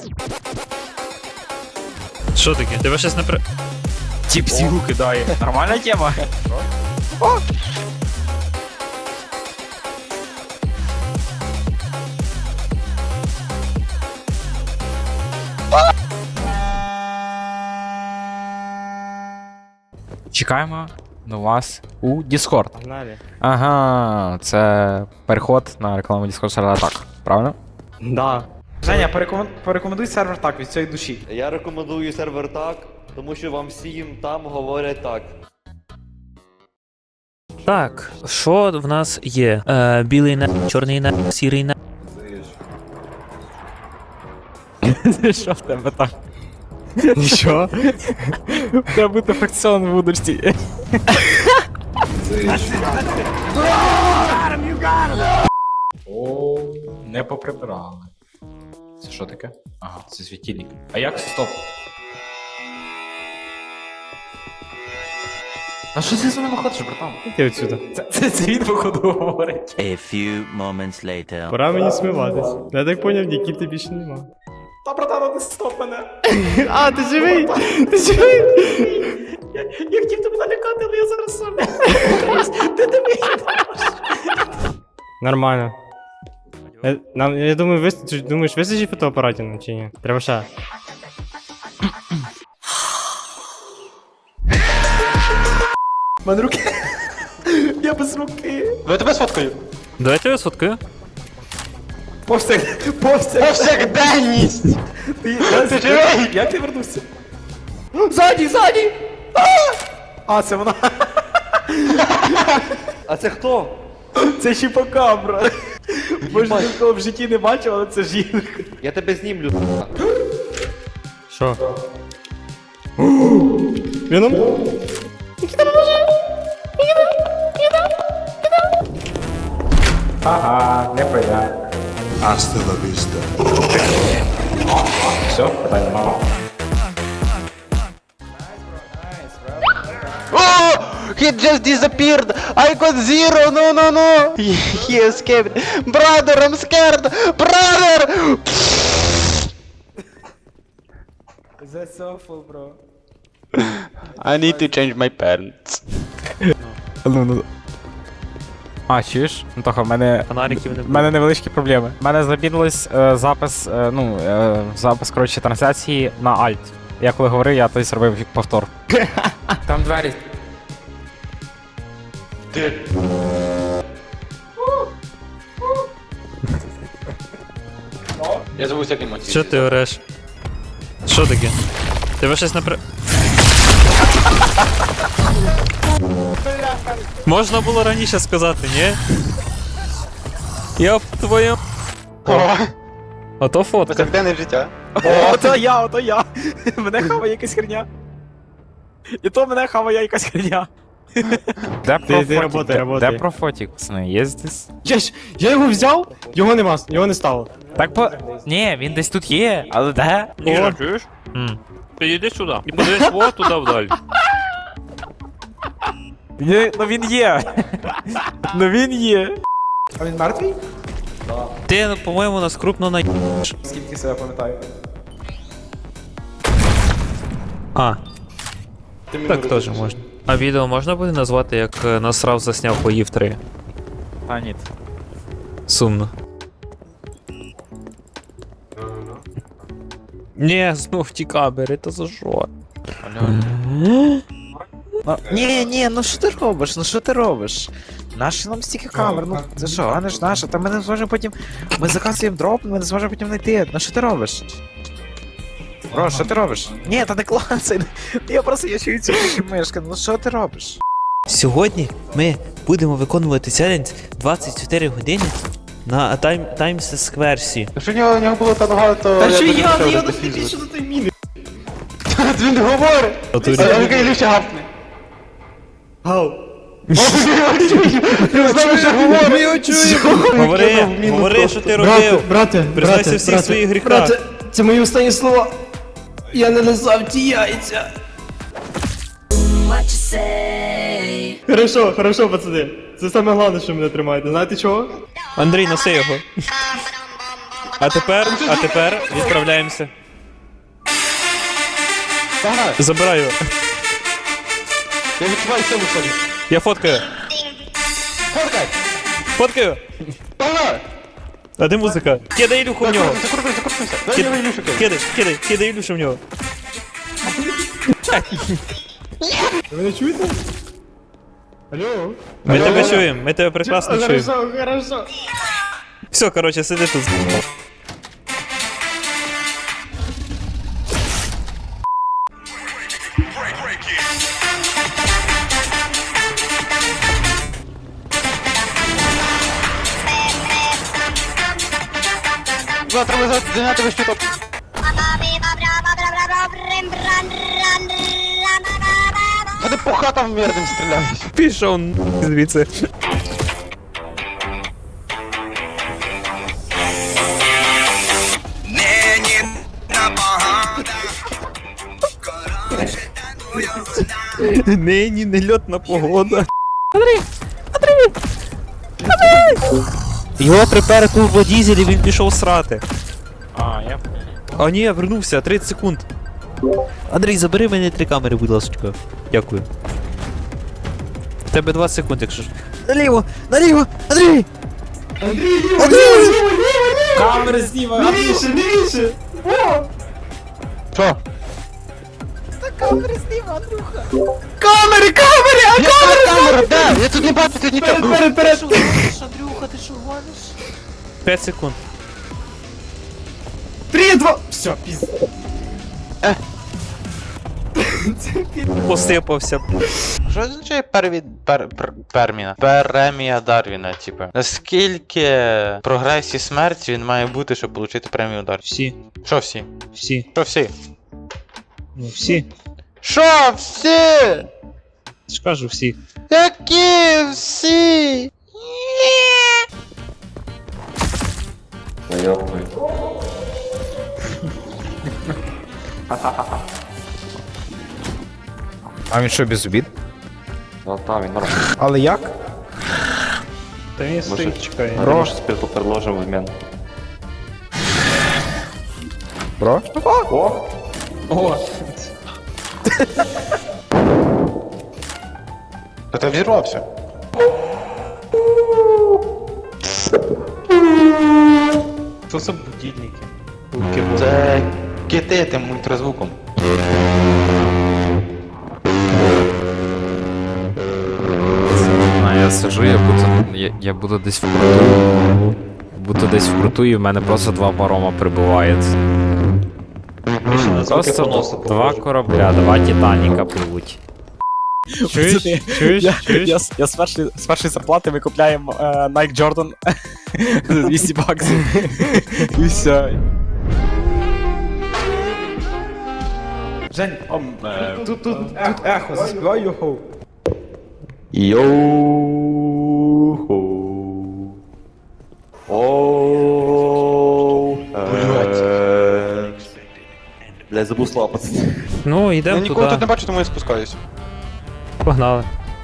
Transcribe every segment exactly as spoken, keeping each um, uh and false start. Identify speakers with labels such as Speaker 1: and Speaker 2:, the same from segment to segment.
Speaker 1: Що таке? Тебе щось не при... Тіп сігу кидає. Нормальна тема? О!
Speaker 2: Чекаємо на вас у Discord.
Speaker 3: Погнали.
Speaker 2: Ага, це переход на рекламу Discord сервера так, правильно?
Speaker 3: Да. Женя, порекомен... порекомендуй сервер так від цієї душі.
Speaker 4: Я рекомендую сервер так, тому що вам всім там говорять так.
Speaker 1: Так, що в нас є? Е, білий не, чорний не, сірий не.
Speaker 2: Що в тебе там? Нічого? В тебе буде фракціон в будучці. О, не поприбирали. Це що таке? Ага, це світильник. А як? Стоп. А що ти за ними ходиш, братан?
Speaker 3: Іди отсюда.
Speaker 2: Це, це, це він, походу, говорить.
Speaker 5: A few moments later.
Speaker 3: Пора мені смиватись. Я так поняв, Нікіти більше нема.
Speaker 2: Та, братан, ти стоп мене.
Speaker 3: А, ти живий! Ти живий!
Speaker 2: Я хотів тебе налякати, але я зараз сам. Ти дивись.
Speaker 3: Нормально. Я, нам, я думаю, вис... думаєш, вистачить фотоапаратів нам чи ні? Треба ще.
Speaker 2: У мене руки. Я без руки.
Speaker 3: Ну я тебе сфоткаю.
Speaker 1: Давайте я сфоткаю.
Speaker 2: Повсяк... Повсяк...
Speaker 3: Повсякденність!
Speaker 2: Ти, ти живий? Як ти вернувся? Ззаді, ззаді! А, це вона.
Speaker 4: А це хто?
Speaker 2: Це чіпакабра. Може, ніколи в житті не бачив, але це жінка.
Speaker 4: Я тебе знімлю.
Speaker 3: Що? Віном?
Speaker 2: Ага, не поля.
Speaker 6: Hasta la vista.
Speaker 2: Все, питання мало.
Speaker 7: Oh! He just disappeared! I got zero! No, no, no! He, he escaped! Brother, I'm scared! Brother!
Speaker 2: That's awful, bro.
Speaker 7: I need to change my parents.
Speaker 2: Ну, ну. А, чуєш? Антоха, в мене...
Speaker 1: Фонариків не
Speaker 2: В
Speaker 1: буде.
Speaker 2: мене невеличкі проблеми. У мене забінилось е, запис, е, ну, е, запис, коротше, трансляції на Alt. Я коли говорив, я тоді зробив повтор. Там двері.
Speaker 7: Я забув всякі емоції.
Speaker 1: Що ти ореш? Що таке? Тебе щось не при... Можна було раніше сказати, ні? Я б твоє... Ото фотка.
Speaker 7: Повсякденне життя.
Speaker 2: Ото я, ото я. Мене хаває якась херня. І то мене хаває якась херня. Де
Speaker 3: Ти- ти работай, работай.
Speaker 2: Де про фотік, пацани? Є здесь?
Speaker 3: Я, ж- я його взяв, його нема, його не стало.
Speaker 2: Так по... Ні, він десь тут є, але де?
Speaker 1: Іра, чуєш? Підійди сюди. І подивись вот туди вдаль.
Speaker 2: Ні, ну він є. Ну він є.
Speaker 3: А він мертвий?
Speaker 1: Ти, по-моєму, нас крупно на...
Speaker 2: Скільки себе пам'ятаю.
Speaker 1: А. Так теж можна. А відео можна буде назвати, як е, насрав засняв поїв три?
Speaker 2: А, ні.
Speaker 1: Сумно. Ні, знов ті камери, то за що?
Speaker 8: Ні, ні, ну що ти робиш? Ну що ти робиш? Наші нам стільки камер, ну це що, а не ж наша, та ми не зможемо потім. Ми заказуємо дроп, ми не зможемо потім знайти. Ну що ти робиш? Бро, що ти робиш? Ні, та не клацай. Я просто я чую цю мишку, ну що ти робиш?
Speaker 9: Сьогодні ми будемо виконувати челендж двадцять чотири години на тайм Таймс Скверсі.
Speaker 7: Якщо в нього, в нього було так багато...
Speaker 3: Та що
Speaker 7: б
Speaker 3: я,
Speaker 7: не
Speaker 3: я
Speaker 7: пішов
Speaker 3: не
Speaker 7: до
Speaker 3: більше
Speaker 7: фізу.
Speaker 3: до той міни.
Speaker 7: Він не говорить! А він каже, ліпше гавкне.
Speaker 3: Гау.
Speaker 7: Він знову ще говорить!
Speaker 1: Говори, говори, що ти
Speaker 3: Брате,
Speaker 1: робив.
Speaker 3: брате,
Speaker 1: Признайся
Speaker 3: брате,
Speaker 1: всіх
Speaker 3: брате,
Speaker 1: своїх гріхах.
Speaker 3: брате, це мої останні слова. Я не лизав ті яйця. Хорошо, хорошо, пацани. Це саме головне, що мене тримаєте. Знаєте чого?
Speaker 1: Андрій, носи його. А тепер, а тепер відправляємося. Забираю.
Speaker 7: Я відчуваю силу в собі.
Speaker 1: Я фоткаю.
Speaker 7: Фоткай!
Speaker 1: Фоткаю.
Speaker 7: Погнали!
Speaker 1: А де музика? Кидай Ілюху в нього.
Speaker 7: Закрутуй, закрутуйся. Дай
Speaker 1: Кид-
Speaker 7: мені Ілюшу кидай.
Speaker 1: Кидай, кидай, кидай Ілюшу в нього.
Speaker 3: Ви мене чуєте? Алло?
Speaker 1: Ми тебе чуємо, ми тебе прекрасно чуємо.
Speaker 3: Хорошо, хорошо.
Speaker 1: Все, короче, сиди тут.
Speaker 7: Завтра ви зайняти весь чуток. Вони по хатам мирним стріляють.
Speaker 1: Пішов звідси. Нині нельотна погода. Його припер турбодізель і він пішов срати.
Speaker 2: А, я...
Speaker 1: А ні, я вернувся, тридцять секунд. Андрій, забери мене три камери, будь ласка. Дякую. В тебе двадцять секунд, якщо ж. Наліво! Наліво! Андрій!
Speaker 2: Камери зніма!
Speaker 3: Лівіше, лівіше!
Speaker 7: Що?
Speaker 3: Камери, камери, а
Speaker 7: Камера, камера, де? Я тут не бачу, тут нічого.
Speaker 3: перед, перед, перед.
Speaker 1: п'ять секунд.
Speaker 3: Три, два. Все, піз.
Speaker 1: Посипався.
Speaker 7: Що означає перві... пер... пер... перміна? Премія Дарвіна, типу. Наскільки прогресії смерті він має бути, щоб отримати премію Дарвіна?
Speaker 1: Всі,
Speaker 7: Що всі?
Speaker 1: всі,
Speaker 7: Що всі?
Speaker 1: ну всі.
Speaker 7: Що всі?
Speaker 1: Скажу всі.
Speaker 7: Які всі?
Speaker 2: А він що, без обід?
Speaker 4: Ну там він нормально.
Speaker 2: Але як?
Speaker 1: Та він стоїть, чекає.
Speaker 2: Бро.
Speaker 4: спирту предложив в обмін.
Speaker 2: Бро?
Speaker 1: О!
Speaker 7: Та ти взірвався.
Speaker 1: Що це будильники?
Speaker 7: Це кити тим ультразвуком.
Speaker 2: А я сижу, я буду, я, я буду десь вкрутую. Буду десь вкрутую, і в мене просто два парома прибувають. Просто два корабля, два Титаніка пливуть.
Speaker 3: Чуєш? Чуєш?
Speaker 2: Я,
Speaker 3: Чуєш?
Speaker 2: я, з- я з, першої, з першої зарплати ми купляємо е, Nike Jordan за двісті баксів. І все. Жень, ом, е, тут, тут, тут ехо, заспівай його.
Speaker 4: Йоу-хо. Оу. Бля, забув слова, пацани.
Speaker 1: Ну,
Speaker 7: Я
Speaker 1: йдемо
Speaker 7: нікого тут
Speaker 1: туди.
Speaker 7: не бачу, тому я спускаюсь.
Speaker 1: Погнали.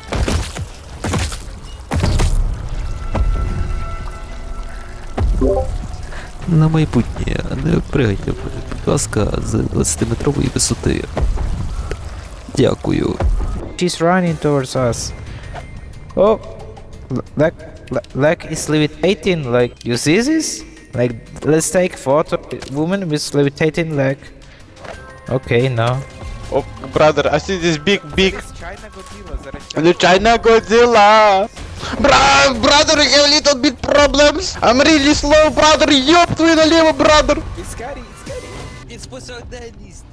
Speaker 9: На майбутнє, не пригайте, будь ласка, з двадцятиметрової висоти. Дякую.
Speaker 8: She's running towards us. Oh, l- leg, le- leg is levitating. Like, you see this? Like, let's take photo. Woman with levitating leg. Okay, no.
Speaker 7: Oh, brother, I see this big, big... The China Godzilla! Bra brother, I have a little bit problems! I'm really slow, brother! Ёб твою налево, brother!
Speaker 8: It's scary, it's scary.
Speaker 9: It's посаденість.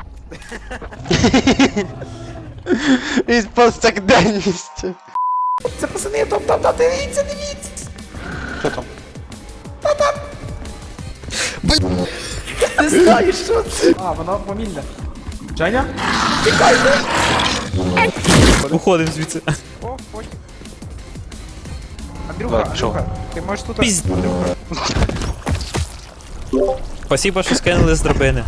Speaker 7: Із повсякденністю.
Speaker 8: Це пацани, там, там, там, дивіться, дивіться.
Speaker 7: Що там?
Speaker 8: Не знаю, що це.
Speaker 2: А, воно помільне. Женя?
Speaker 1: Уходимо звідси.
Speaker 2: О, потім. Андрюха,
Speaker 7: Так, що?
Speaker 2: Андрюха, ти можеш тут...
Speaker 1: Пізд- Спасибо, що скинули з драбини.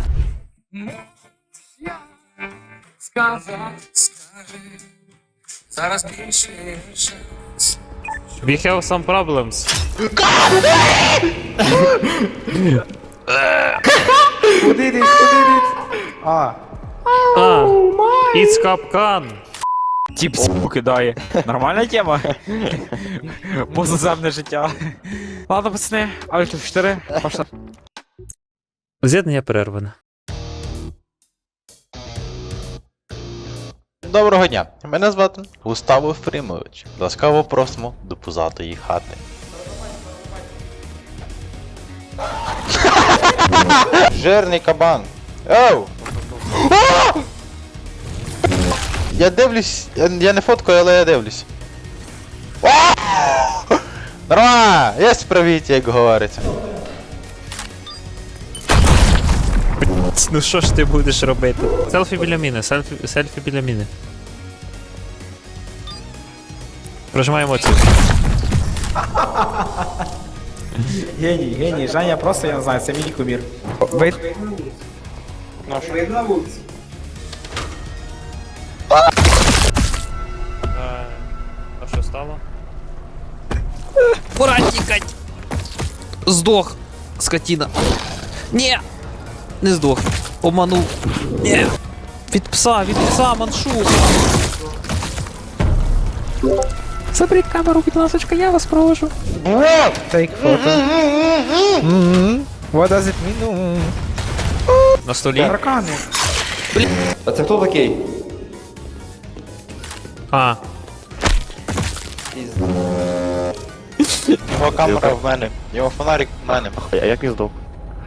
Speaker 10: Сказав, скажи, зараз більше шанс.
Speaker 1: We have some problems.
Speaker 8: Куди ти? Куди ти? А.
Speaker 1: А, it's капкан.
Speaker 2: Тіп с**ку кидає. Нормальна тема? Позаземне життя. Ладно, пацани, Альт чотири, пошла.
Speaker 1: З'єднання перерване.
Speaker 7: Доброго дня, мене звати Густаво Ефремович. Ласкаво просимо до пузатої хати. Жирний кабан. Оу! А! Я дивлюсь, я, я не фоткаю, але я дивлюсь. А! Нормально, є справіті, як говориться.
Speaker 1: Ну що ж ти будеш робити? Селфі біля міни, селфі, селфі біля міни. Прожимаємо емоцію.
Speaker 8: Геній, геній, Женя просто, я не знаю, це мій кумір. Ви...
Speaker 1: А що стало? Пора тікать! Здох! Скотіна! Ні! Не здох. Обманув. Ні! Від пса, від пса, маншу! Заберіть камеру, будь ласочка, я вас прошу.
Speaker 8: Take photo. What does it mean?
Speaker 1: На столі.
Speaker 8: Таракани.
Speaker 4: А це хто такий?
Speaker 1: А,
Speaker 7: Його камера в мене, його фонарик в мене.
Speaker 4: А як він здох?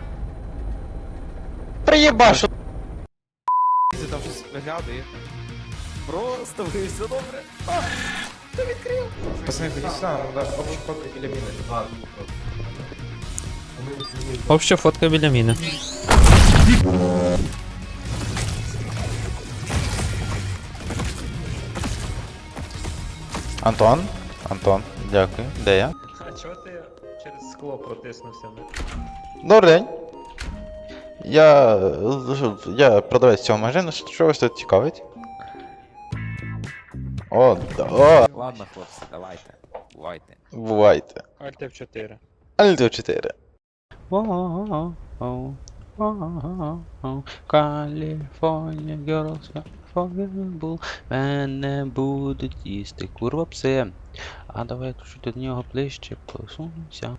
Speaker 7: Приєбашу!
Speaker 8: Там щось виглядає.
Speaker 2: Просто ви все добре.
Speaker 8: Пацани, ходіть сюди, нам треба общу фотку біля міни.
Speaker 1: обща фотка біля міни.
Speaker 7: Антон? Антон, дякую. Де я?
Speaker 1: А чого ти через скло протиснувся?
Speaker 7: Добрий день. Я. Я продавець цього магазину, що вас тут цікавить? О, да, о,
Speaker 2: Ладно, хлопці, давайте. Бувайте.
Speaker 7: бувайте.
Speaker 1: Альт еф чотири.
Speaker 7: Альто чотири.
Speaker 10: Каліфорнія, girls, unforgettable. Мене будуть їсти курва пси. А давай чуть до нього ближче посунься.